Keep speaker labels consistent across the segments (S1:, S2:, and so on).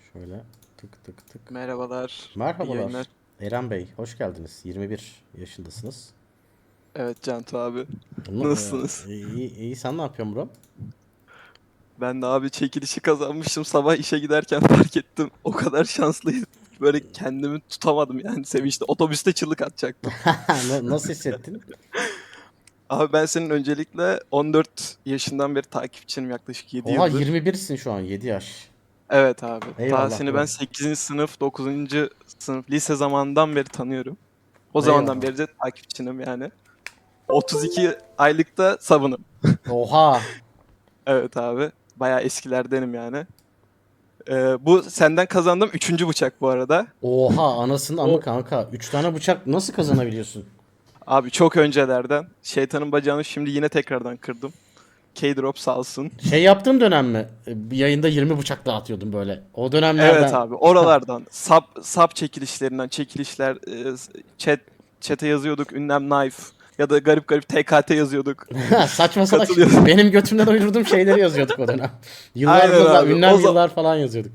S1: Şöyle tık tık tık.
S2: Merhabalar. İyi
S1: Merhabalar.
S2: yayınlar.
S1: Eren Bey, hoş geldiniz. 21 yaşındasınız.
S2: Evet Cantu abi.
S1: Bunu,
S2: Nasılsınız?
S1: iyi, sen ne yapıyorsun bro?
S2: Ben de abi çekilişi kazanmıştım. Sabah işe giderken fark ettim. O kadar şanslıyım. Böyle kendimi tutamadım yani sevinçte. Otobüste çığlık atacaktım.
S1: Nasıl hissettin?
S2: Abi ben senin öncelikle 14 yaşından beri takipçinim, yaklaşık 7
S1: Oha,
S2: yıldır.
S1: 21'sin şu an, 7 yaş.
S2: Evet abi. Ta
S1: Eyvallah
S2: seni ben
S1: bro.
S2: 8. sınıf, 9. sınıf lise zamanından beri tanıyorum. O zamandan
S1: Eyvallah.
S2: beri de takipçinim yani. 32 aylıkta sabunum.
S1: Oha.
S2: Evet abi. Bayağı eskilerdenim yani. Bu senden kazandığım üçüncü bıçak bu arada.
S1: Oha, anasının amı
S2: O
S1: kanka. 3 tane bıçak nasıl kazanabiliyorsun?
S2: abi çok öncelerden. Şeytanın bacağını şimdi yine tekrardan kırdım. K-Drop sağ olsun.
S1: Şey yaptığın dönem mi? Bir yayında 20 bıçak dağıtıyordun böyle. O
S2: Evet
S1: dönemlerden.
S2: abi, oralardan sap çekilişlerinden çekilişler, chat chat'e yazıyorduk ünlem knife ya da garip garip TKT yazıyorduk.
S1: Saçma salak
S2: Katılıyorduk.
S1: benim götümden uydurduğum şeyleri yazıyorduk o dönem. Yıllar
S2: Aynen
S1: falan,
S2: abi.
S1: ünlem yıllar falan yazıyorduk.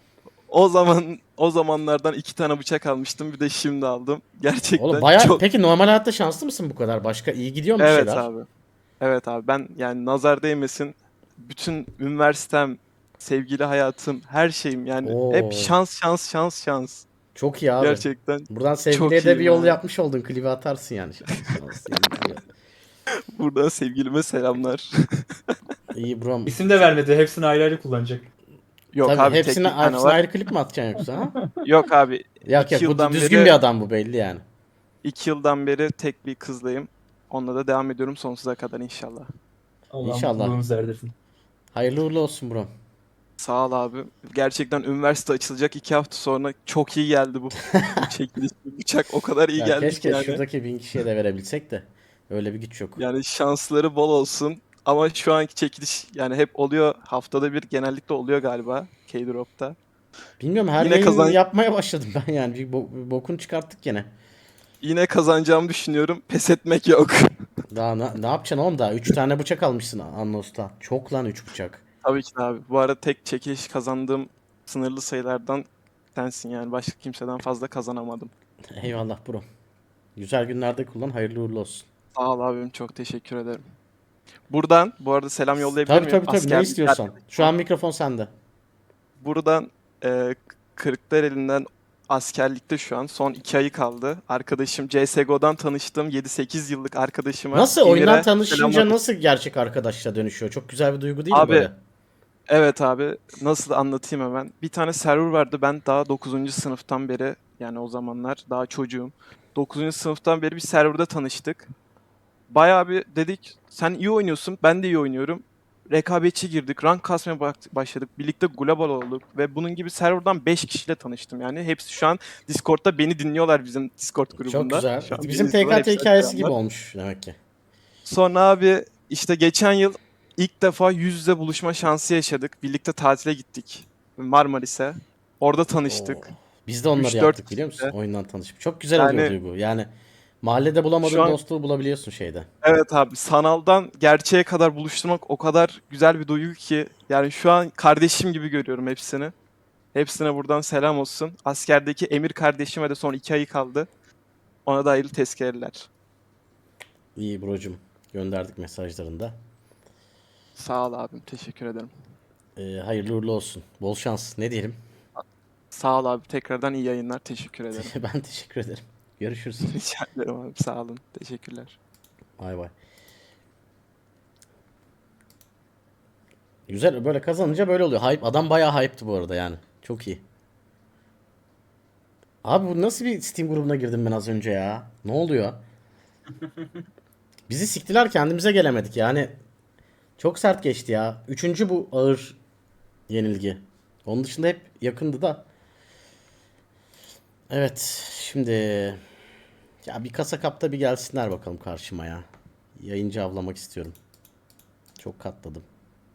S2: O zamanlardan iki tane bıçak almıştım. Bir de şimdi aldım.
S1: Oğlum
S2: Gerçekten
S1: baya,
S2: çok.
S1: peki normal hayatta şanslı mısın bu kadar? Başka iyi gidiyor mu bir
S2: Evet
S1: şeyler?
S2: abi. Evet abi, ben yani nazar değmesin, bütün üniversitem, sevgili hayatım, her şeyim yani hep
S1: Oo,
S2: şans şans şans şans.
S1: çok iyi abi.
S2: Gerçekten
S1: Buradan sevgiliye
S2: çok
S1: de bir
S2: iyiyim
S1: yol
S2: yani.
S1: yapmış oldun. Klibi atarsın yani. Şans şans sevgiliye.
S2: Buradan sevgilime selamlar.
S1: İyi brom.
S3: İsim de vermedi. Hepsini ayrı ayrı kullanacak.
S2: Yok
S1: Tabii
S2: abi, tek bir tane
S1: hepsine
S2: var.
S1: ayrı klip mi atacaksın yoksa ha?
S2: Yok abi,
S1: Yok
S2: iki
S1: yok, bu
S2: yıldan
S1: düzgün
S2: beri
S1: bir adam, bu belli yani.
S2: 2 yıldan beri tek bir kızlayım. Onunla da devam ediyorum sonsuza kadar inşallah.
S3: Allah
S1: İnşallah.
S3: mutluluğunuzu erdirsin.
S1: Hayırlı uğurlu olsun brom.
S2: Sağ ol abi. Gerçekten üniversite açılacak 2 hafta sonra çok iyi geldi bu çekiliş. Bu bıçak o kadar iyi
S1: Ya
S2: geldi ki
S1: keşke
S2: yani.
S1: şuradaki 1000 kişiye de verebilsek de. Öyle bir güç yok.
S2: Yani şansları bol olsun. Ama şu anki çekiliş yani hep oluyor. Haftada bir genellikle oluyor galiba K-Drop'ta.
S1: Bilmiyorum, her
S2: Yine
S1: yayın
S2: kazan
S1: yapmaya başladım ben yani. Bir bokunu çıkarttık gene.
S2: yine kazanacağımı düşünüyorum. Pes etmek yok.
S1: Daha ne yapacaksın oğlum daha? 3 tane bıçak almışsın Anlos'ta. Çok lan 3 bıçak.
S2: Tabii ki de abi. Bu arada tek çekiliş kazandığım sınırlı sayılardan sensin yani. Başka kimseden fazla kazanamadım.
S1: Eyvallah bro. Güzel günlerde kullan. Hayırlı uğurlu olsun.
S2: Sağ ol abim. Çok teşekkür ederim. Buradan bu arada selam yollayabilir
S1: Tabii
S2: miyim?
S1: tabii tabii, ne
S2: Askerlik
S1: istiyorsan. Şu
S2: arkadaşıma.
S1: an mikrofon sende.
S2: Buradan Kırklareli'nden, askerlikte şu an. Son 2 ayı kaldı. Arkadaşım, CSGO'dan tanıştığım 7-8 yıllık arkadaşıma
S1: Nasıl oyundan
S2: Emir'e selamlar
S1: tanışınca
S2: olsun.
S1: nasıl gerçek arkadaşla dönüşüyor? Çok güzel bir duygu değil mi
S2: Abi
S1: böyle?
S2: evet abi, nasıl anlatayım hemen. Bir tane server vardı, ben daha 9. sınıftan beri, yani o zamanlar daha çocuğum. 9. sınıftan beri bir serverda tanıştık. Bayağı bir dedik, sen iyi oynuyorsun, ben de iyi oynuyorum. Rekabetçi girdik, rank kasmaya başladık. Birlikte global olduk ve bunun gibi serverdan 5 kişiyle tanıştım yani. Hepsi şu an Discord'da beni dinliyorlar, bizim Discord
S1: Çok
S2: grubunda.
S1: güzel.
S2: Şu an beni
S1: Bizim
S2: izliyorlar,
S1: TKT
S2: hepsine
S1: hikayesi gibi
S2: selamlar.
S1: olmuş demek ki.
S2: Sonra abi işte geçen yıl ilk defa yüz yüze buluşma şansı yaşadık. Birlikte tatile gittik Marmaris'e. Orada
S1: Oo.
S2: tanıştık.
S1: Biz de onları
S2: 3-4
S1: yaptık biliyor musun?
S2: kişiyle.
S1: Oyundan tanışıp. Çok güzel oluyor
S2: Yani
S1: duygu. Yani mahallede
S2: şu
S1: bulamadığın
S2: an
S1: dostluğu bulabiliyorsun şeyde.
S2: evet abi, sanaldan gerçeğe kadar buluşturmak o kadar güzel bir duygu ki. Yani şu an kardeşim gibi görüyorum hepsini. Hepsine buradan selam olsun. Askerdeki Emir kardeşime de son 2 ayı kaldı. Ona da hayırlı tezkereler.
S1: İyi brocum. Gönderdik mesajlarında.
S2: Sağ ol abim. Teşekkür ederim.
S1: Hayırlı uğurlu olsun. Bol şans. Ne diyelim?
S2: Sağ ol abi. Tekrardan iyi yayınlar. Teşekkür ederim.
S1: Ben teşekkür ederim. Görüşürüz.
S2: Rica ederim abi. Sağ olun. Teşekkürler.
S1: Bay bay. Güzel, böyle kazanınca böyle oluyor. Hype, adam bayağı hype'tı bu arada yani. Çok iyi. Abi bu nasıl bir Steam grubuna girdim ben az önce ya? Ne oluyor? Bizi siktiler, kendimize gelemedik yani. Çok sert geçti ya. Üçüncü bu ağır yenilgi. Onun dışında hep yakındı da. Evet, şimdi ya bir kasa kapta bir gelsinler bakalım karşıma ya. Yayıncı avlamak istiyorum. Çok katladım.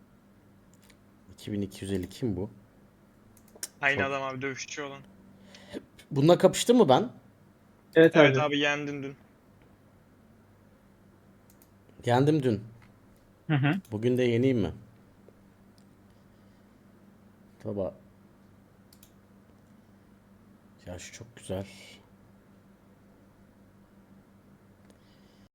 S1: 2250 kim bu?
S4: Aynı
S1: Çok.
S4: adam abi, dövüşçü olan.
S1: Bununla kapıştım mı ben?
S3: Evet
S4: Evet
S3: abi.
S4: abi, yendin dün.
S1: Yendim dün.
S3: Hı hı.
S1: Bugün de yeneyim mi? Baba. Ya şu çok güzel.